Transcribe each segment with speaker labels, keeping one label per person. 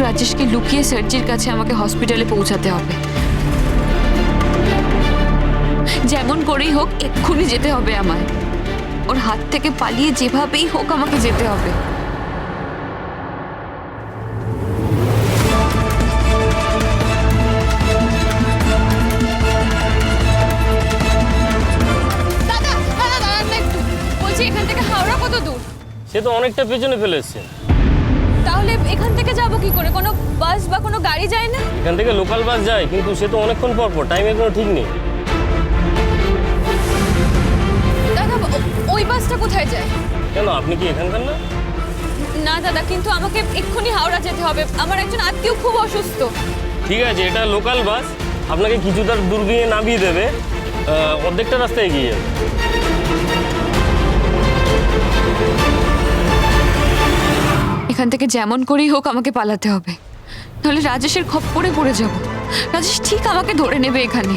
Speaker 1: রাজেশকে লুকিয়ে সার্জির কাছে আমাকে হসপিটালে পৌঁছাতে হবে। যেমন করেই হোক এক্ষুনি যেতে হবে আমায়। ওর হাত থেকে পালিয়ে যেভাবেই হোক আমাকে যেতে হবে। দাদা দাদা দাঁড়ান না একটু, বলছি এখান থেকে হাওড়া কত দূর?
Speaker 2: সে তো অনেকটা পেছনে ফেলে এসছে।
Speaker 1: তাহলে এখান থেকে যাব কি করে? কোনো বাস বা কোনো গাড়ি যায় না?
Speaker 2: এখান থেকে লোকাল বাস যায়, কিন্তু সে তো অনেকক্ষণ পর পর, টাইমের কোনো ঠিক নেই।
Speaker 1: দাদা ওই বাসটা কোথায় যায়?
Speaker 2: কেন, আপনি কি এখানকার না?
Speaker 1: না দাদা, কিন্তু আমাকে এক্ষুনি হাওড়া যেতে হবে, আমার একজন আত্মীয় খুব অসুস্থ।
Speaker 2: ঠিক আছে, এটা লোকাল বাস, আপনাকে কিছুটা দূর গিয়ে নামিয়ে দেবে, অর্ধেকটা রাস্তায় এগিয়ে যাবে।
Speaker 1: এখান থেকে যেমন করেই হোক আমাকে পালাতে হবে, নাহলে রাজেশের খপ্পরে পড়ে যাব। রাজেশ ঠিক আমাকে ধরে নেবে এখানে।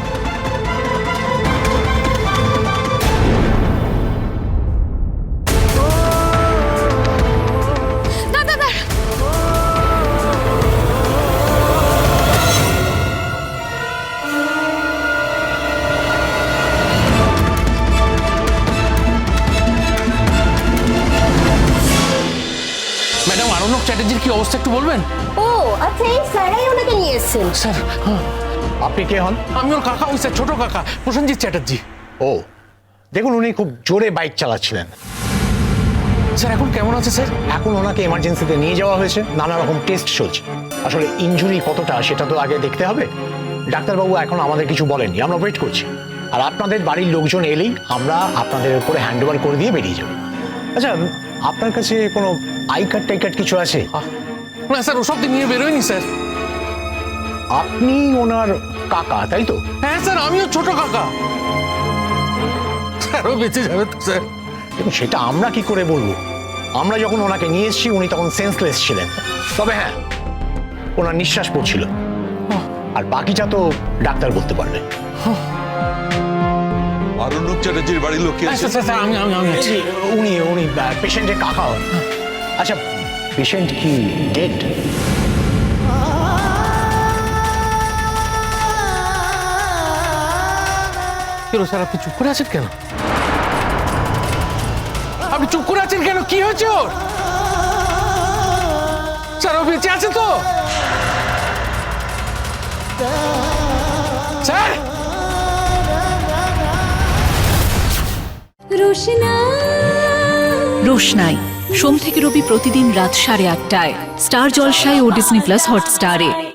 Speaker 3: ম্যাডাম, আরণ্যক চ্যাটার্জির কি অবস্থা একটু বলবেন?
Speaker 4: ও আচ্ছা, এই স্যারাই ওনাকে নিয়ে এসেছেন।
Speaker 3: স্যার,
Speaker 5: আপনি কে হন?
Speaker 3: আমি ওর কাকা, ওই স্যার ছোট কাকা প্রসেনজিৎ চ্যাটার্জি।
Speaker 5: ও, দেখুন উনি খুব জোরে বাইক চালাচ্ছিলেন।
Speaker 3: স্যার এখন কেমন আছে স্যার?
Speaker 5: এখন ওনাকে এমার্জেন্সিতে নিয়ে যাওয়া হয়েছে, নানা রকম টেস্ট চলছে। আসলে ইনজুরি কতটা সেটা তো আগে দেখতে হবে। ডাক্তারবাবু এখন আমাদের কিছু বলেননি, আমরা ওয়েট করছি। আর আপনাদের বাড়ির লোকজন এলেই আমরা আপনাদের উপরে হ্যান্ড ওভার করে দিয়ে বেরিয়ে যাব। আচ্ছা, আপনার কাছে কোনো আই কার্ড টাই কার্ড কিছু আছে?
Speaker 3: না স্যার, ওসব দিন নিয়ে বেরোয়নি স্যার।
Speaker 5: আপনি ওনার কাকা, তাই তো?
Speaker 3: হ্যাঁ স্যার, আমিও ছোট কাকা। স্যারও বেঁচে যাবে তো স্যার?
Speaker 5: দেখুন, সেটা আমরা কি করে বলবো? আমরা যখন ওনাকে নিয়ে এসেছি উনি তখন সেন্সলেস ছিলেন। তবে হ্যাঁ, ওনার নিঃশ্বাস পড়ছিল, আর বাকিটা তো ডাক্তার বলতে পারবে।
Speaker 6: আরণ্যক চ্যাটার্জির বাড়ির লোক কে আছে?
Speaker 3: স্যার আমি আছি।
Speaker 5: উনি উনি পেশেন্টের কাকা হন। আচ্ছা, পেশেন্ট কি ডেড?
Speaker 3: কেন স্যার, আপনি চুপ করে আছেন কেন? আপনি চুপ করে আছেন কেন? কি হয়েছে ওর? স্যার ও বেঁচে আছে তো? স্যার,
Speaker 7: রোশনাই সোম থেকে রবি প্রতিদিন রাত 8:30টায় স্টার জলসায় ও ডিজনি প্লাস হটস্টারে।